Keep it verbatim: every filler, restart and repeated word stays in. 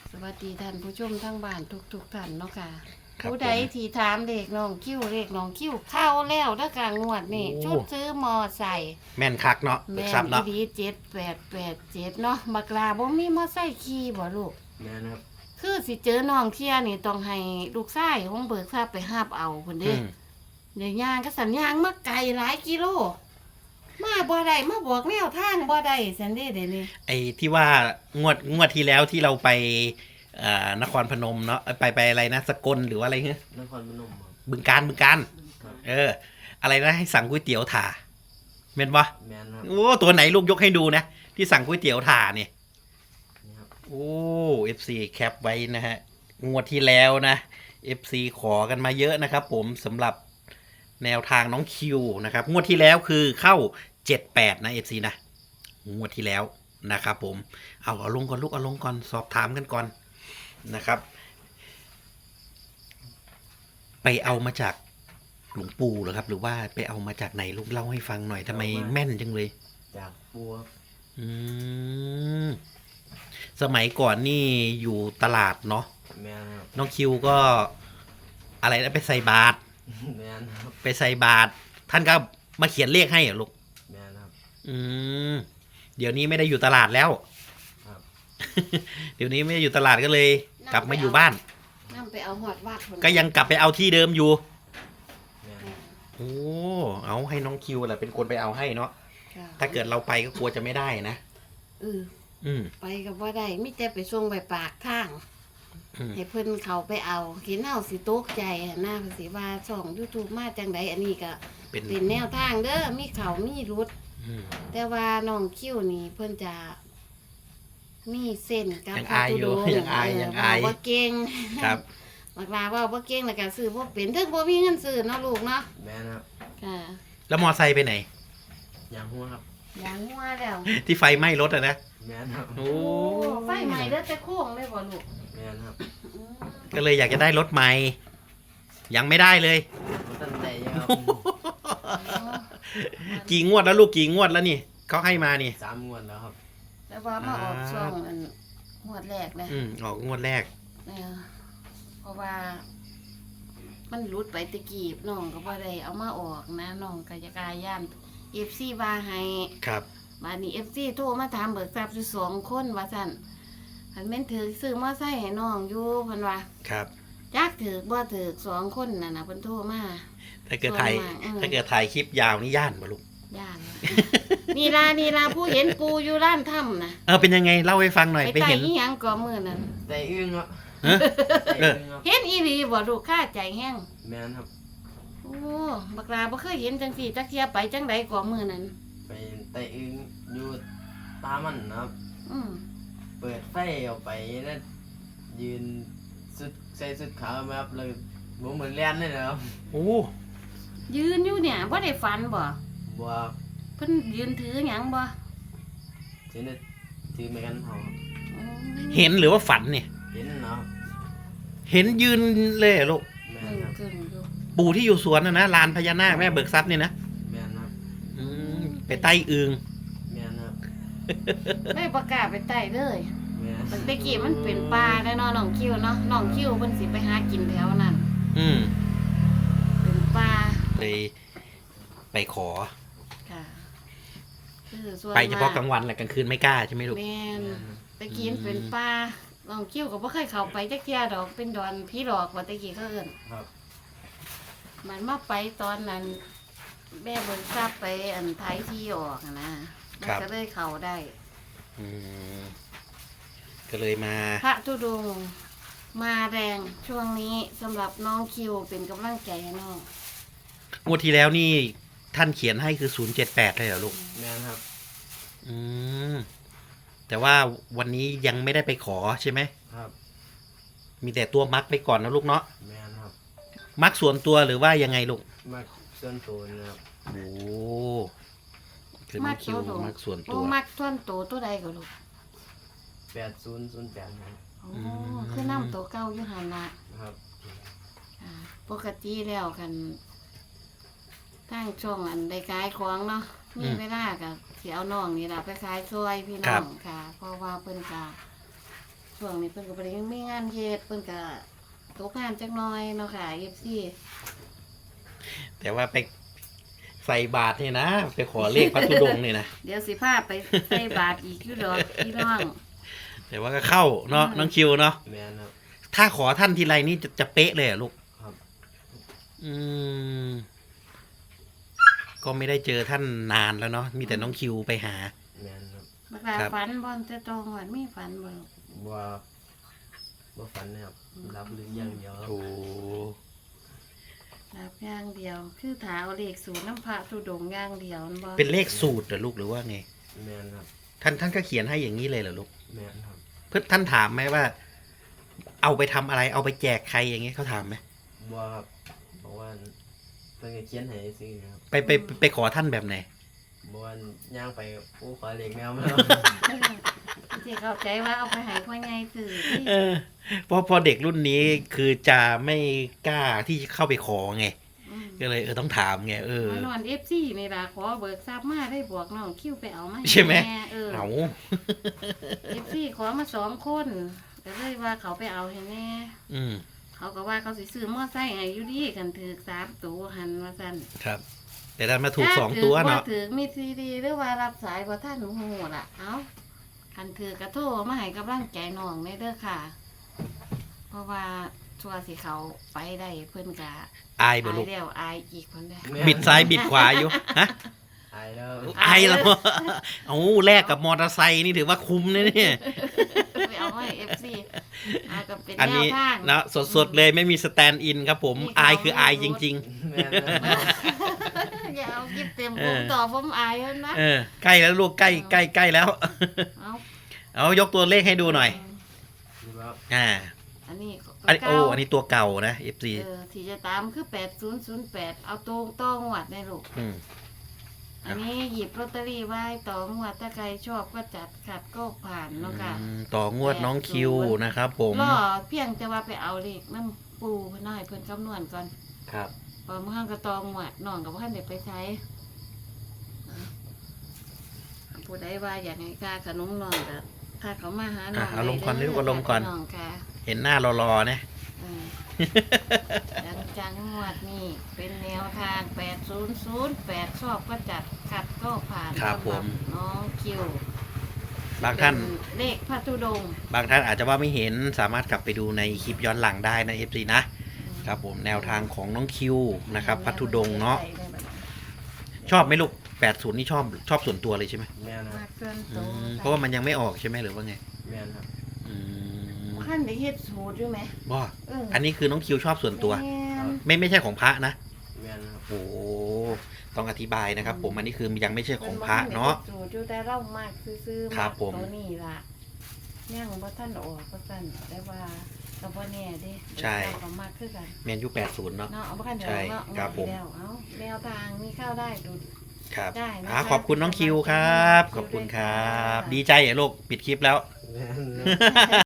สวัสดีท่านผู้ชมทั้งบ้านทุกๆท่านเนาะค่ะครับผู้ใดผมที่ถามเลขน้องคิ้วเลขน้องคิ้วเข้าแล้วเด้อกลางงวดนี่โอ้ชุดซื้อมอไซค์แม่นคักเนาะแม่ครับนอีเนาะดีเจ็ดแปดแปดเจ็ดเนาะบักลาบ่มีมอไซค์ขี่บ่ลูกแม่นะครับคือสิเจอน้องเที่ยนี่ต้องให้ลูกชายของเบิกทราบไปหาบเอาพุ่นอืเด้มเดี๋ยวย่างก็สัญญางมาไกลหลายกิโล มาบ่ได้มาบอกแนวทางบ่ได้ซั่นเด้เดี๋ยวนี้ไอ้ที่ว่างวดงวดที่แล้วที่เราไปเอ่อนครพนมเนาะไปไปอะไรนะสกลหรือว่าอะไรเงี้ยนครพนมครับบึงการบึงการครับเออ อะไรนะให้สั่งก๋วยเตี๋ยวถ่าเม็นปะแม่นะครับโอ้ตัวไหนลูกยกให้ดูนะที่สั่งก๋วยเตี๋ยวถ่าเนี่ยนี่ครับโอ้เอฟซีแคปไว้นะฮะงวดที่แล้วนะเอฟซีขอกันมาเยอะนะครับ ผมสำหรับแนวทางน้องคิวนะครับงวดที่แล้วคือเข้าเจ็ดแปดนะเอฟซีนะงวดที่แล้วนะครับ ผมเอาเอาลงก่อนลูกเอาลงก่อนสอบถามกันก่อนนะครับ ไปเอามาจากหลวงปู่เหรอครับ หรือว่าไปเอามาจากไหนลูกเล่าให้ฟังหน่อยทำไมแม่นจังเลยจากปัวอืมสมัยก่อนนี่อยู่ตลาดเนาะแม่นะครับน้องคิวก็อะไรนะไปใส่บาตรแม่นะครับไปใส่บาตรท่านก็มาเขียนเลขให้เหรอลูกแม่นะครับอืมเดี๋ยวนี้ไม่ได้อยู่ตลาดแล้วครับเดี๋ยวนี้ไม่ได้อยู่ตลาดก็เลย กลับมาอยู่บ้านนำไปเอาหอดวัดพุ่นก็ยังกลับไปเอาที่เดิมอยู่แม่นะครับโอ้เอาให้น้องคิวแหละเป็นคนไปเอาให้เนาะค่ะถ้าเกิดเราไปก็กลัวจะไม่ได้นะเอออืมไปก็บ่ได้มีแต่ไปส่งไปปากทางอืมให้เพิ่นเขาไปเอากินเอาสิตกใจหั้นนะเพิ่นสิว่าช่อง YouTube มาจังไดอันนี้ก็เป็นเป็นแนวทางเด้อมีเขามีรุดอืมแต่ว่าน้องคิวนี่เพิ่นจะมีเส้นกับยังพระอายธุอยู่ดงค์ยังอายเยังอายเว้บ่เก่งครับบักลาเว่าบ่เก่งแล้วก็ซื้อบ่เป็นถึงบ่มีเงินซื้อเนาะลูกเนาะแม่นะครับค่ะแล้วมอไซค์ไปไหนยางหัวครับอย่างงัวแล้วที่ไฟไหม้รถอะนะแม่นะครับโอ้โอ้ไฟใหม่เด้อแต่โค้งเลยบ่ลูกแม่นะครับอืมก็เลยอยากจะได้รถใหม่ ยังไม่ได้เลยผมตั้งใจเยอะครับกี่งวดแล้วลูกกี่งวดแล้วนี่เขาให้มานี่สามงวดแล้วครับแต่ว่ามาออกช่องอันงวดแรกนะอืมออกงวดแรกเนี่ยเพราะว่า มันหลุดไปตะกี้น้องก็บ่ได้เอามาออกนะน้องก็จะกลายย่าน เอฟ ซี ว่าให้ครับบัดนี้ เอฟ ซี โทรมาถามเบิกทรัพย์อยู่สองคนว่าซั่นคันแม่นถือซื้อมอไซค์ให้น้องอยู่เพิ่นว่าครับจักถือบ่ถือสองคนนั่นน่ะเพิ่นโทรมาถ้าเกิดถ่ายส่วนมากเออถ้าเกิดถ่ายคลิปยาวนี่ย่านป่ะลูกย่าน นี่ล่ะนี่ล่ะผู้เห็นปูอยู่ร้านถ้ำน่ะเออเป็นยังไงเล่าให้ฟังหน่อยไปไปไต่เห็นอีหยังก่อมื้อนั้นแต่อึ้งครับฮะแต่เอออึ้งครับเห็นอีหลีบ่ลูกค่าใจแห้งแม่นะครับโอ้บักลาบ่เคยเห็นจังซี่จักเที่ยไปจังใดก่อมื้อนั้นไปแต่อึ้งอยู่ตามันนะครับอืมเปิดไฟออกไปนั่นยืนสุดใส่สุดขาวมาครับเลยผมเหมือนเลียนเลยนะครับโอ้ยืนอยู่เนี่ยบ่ได้ฝันบ่บัวเพิ่นยืนถือหยังบ่ถือเนี่ยถือไม่กันเขาครับอืมเห็นหรือว่าฝันเนี่ยเห็นเนาะเห็นยืนเลยเหรอลูกแม่เออครับเกินอยู่ปู่ที่อยู่สวนนะนะลานพญานาคแม่เบิกทรัพย์เนี่ยนะแม่นะครับอืมไปใต้อึงแม่นะครับได้ประกล้าศไปไต่เลยแม่ตั้งแต่กี้มันเป็นป่าได้เนาะน้องคิวเนาะน้องคิวเพิ่นสิไปหากินแถวนั้นอืมเป็นป่าเลยไปขอค่ะคือส่วนไปเฉพาะมกลางวันแหละกลางคืนไม่กล้าใช่ไหมลูกแม่นแม่นะครับตะกี้มันเป็นป่าน้องคิวก็บ่เคยเข้าไปจักเที่ยดอกเป็นดอนพี่ดอกว่าตะกี้เขาเอิ้นครับมันมาไปตอนนั้น แม่เบิ่งทราบไปอันไทยที่ออกอะนะมันก็เลยเข้าได้อืมก็เลยมาพระธุดงค์มาแรงช่วงนี้สำหรับน้องคิวเป็นกำลังใจให้น้องงวดที่แล้วนี่ท่านเขียนให้คือศูนย์เจ็ดแปดเลยเหรอลูกแม่นะครับอืมแต่ว่าวันนี้ยังไม่ได้ไปขอใช่ไหมครับมีแต่ตัวมักไปก่อนนะลูกเนาะแม่นะครับมักส่วนตัวหรือว่ายังไงลูกมาส่วนตัวนะครับโอ้คือน้องคิวมักส่วนโอ้ตัวมักท่วนโตตัวใดก็ลูกแปดศูนย์ศูนย์แปดครับโอ้อืมคือน้ำตัวเก้าอยู่หันละครับอ่าปกติแล้วกันทางช่องอันได้ขายของเนาะมีเวลากับสิเอาน้องนี่ล่ะไปขายซอยพี่น้องค่ะ เพราะว่าเพิ่นก็ช่วงนี้เพิ่นก็บ่ได้มีงานเฮ็ดเพิ่นก็ตกงานจักหน่อยเนาะค่ะ เอฟ ซีแต่ว่าไปใส่บาทนี่นะไปขอเลขพระธุดงค์นี่นะเดี๋ยวสิพาไปใส่บาตรอีกอยู่ดอกพี่น้องแต่ว่าก็เข้าเนาะอืมน้องคิวเนาะแมนครับถ้าขอท่านทีไรนี่จะจะเป๊ะเลยเหรอลูกครับอืม ก็ไม่ได้เจอท่านนานแล้วเนาะมีแต่น้องคิวไปหาแมนครับบักลาครับฝันบ่แต่ตรงวันมีฝันบ่ลูกว่าว่าฝันนะครับรับหรืออย่างเดียวครับโอ้รับอย่างเดียว คือถาเอาเลขศูนย์น้ำพระธุดงค์อย่างเดียวนั่นบ่เป็นเลขสูตรเหรอลูกหรือว่าไงแมนครับท่านท่านก็เขียนให้อย่างนี้เลยเหรอลูกแมนครับเพื่อท่านถามไหมว่า เอาไปทำอะไรเอาไปแจกใครอย่างเงี้ยเขาถามไหมว่าครับบอกว่าเพิ่นก็เขียนให้ซื้อนะครับไปไปไปไปขอท่านแบบไหนบอกว่าย่างไปโอ้ขอเลขแมวมาที่เข้าใจว่าเอาไปให้พ่อใหญ่ซื้อเออเพราะพอเด็กรุ่นนี้คือจะไม่กล้าที่จะเข้าไปขอไงอืมก็เลยเออต้องถามไงเออมานอน เอฟ ซี นี่ล่ะขอเบิกทรัพย์มาได้บวกน้องคิวไปเอามาใช่ไหมแเออเอาเอฟ ซี ขอมาสองคนก็เลยว่าเขาไปเอาให้แน่อืมเขาก็ว่าเขาสิซื้อมอไซค์ให้อยู่ดีกันถือสามตัวหันมาสั่นครับ แต่ดันมาถูกสองตัวเนาะถ้ถือมีซีดีหรือว่ารับสายบ่ท่านหนูหูล่ะ เอ้าคันถือกระโทรมาให้กำลังใจน้องแน่เด้อค่ะ เพราะว่าชัวสิเขาไปได้เพิ่นกะอายบ่อายลูกแล้วอายอีกคนได้แม่บิดซ้ายบิดขวาอยู่ฮะอายแล้วอายแล้วเอาแลกกับมอเตอร์ไซค์นี่ถือว่าคุ้มนะเนี่ยไปเอาไว้เอฟซีอาก็เป็นอันแนนี้วทางนะสดๆเลยไม่มีสแตนด์อินครับผมนี่เขาอายคืออายจริงแมนครับอย่าเอากิบเต็มเอผอมต่อผมอายแล้วนะๆ เออ ใกล้แล้วลูกใกล้ใกล้ใกล้แล้วเอาเอายกตัวเลขให้ดูหน่อยดูครับอ่าอันนี้อันนี้โอ้อันนี้ตัวเก่านะ เอฟ ซีเออที่จะตามคือแปดศูนย์ศูนย์แปดเอาตรงต้องหวัดในลูกอืมอันนี้หยิบลอตเตอรี่ไว้ต่องวดถ้าใครชอบก็จัดขัดก็ผ่านเนาะค่ะอืมต่องวดน้องคิวนะครับผมรอเพียงแต่ว่าไปเอาเลขน้ำปูเพิ่นน้อยเพิ่นคำนวณก่อนครับพอเมื่อก็ตองหวัดน้องกับพ่านเด็กไปใช้ผู้ใดว่าอยากให้ค่าขนมน้องก็ถ้าเขามาหาน้องอ่ะเอาลงก่อนได้เรียกว่าลงก่อนน้องค่ะเห็นหน้ารอๆนะเออจังจังหวัดนี่เป็นแนวทางแปดศูนย์ศูนย์แปดชอบก็จัดขัดก็ผ่านครับสำหผมน้องคิวบางท่านเป็นเลขพระธุดงค์บางท่านอาจจะว่าไม่เห็นสามารถกลับไปดูในคลิปย้อนหลังได้นะ เอฟ ซี นะ ครับผมแนวทางของน้องคิวนะครับพัทธุดงค์เนาะชอบไหมลูกแปดศูนย์นี่ชอบชอบส่วนตัวเลยใช่ไหมแมนคมารับเกินอืตัวมเพราะว่ามันยังไม่ออกใช่ไหมหรือว่าไงแมนครับอืมขั้นได้เฮ็ดสูตรด้วยไหมว่าเอออันนี้คือน้องคิวชอบส่วนตัวแม่นไม่ไม่ใช่ของพระนะแมนครับโอ้ต้องอธิบายนะครับ ผมอันนี้คือยังไม่ใช่ของพระเนาะพิ่บ่ทัได้ฮ็ดสูตรอยู่แต่เล่ามากซื่อๆครับผมตัวนี้ล่ะยังบ่ท่านออกก็สั่นแต่ว่าก็บ่แน่เด้ใช่เดี๋ยวเขามากคือกันแมนยูแปดศูนย์เนาะเนาะเอาบ่คันเดี๋ยวใช่เนาะครับผมแล้วเอาแนวทางมีเข้าได้ดูครับได้นะคะอ่าขอบคุณน้องคิวครับ ขอบคุณครับ ดีใจเหรอลูกปิดคลิปแล้วแมน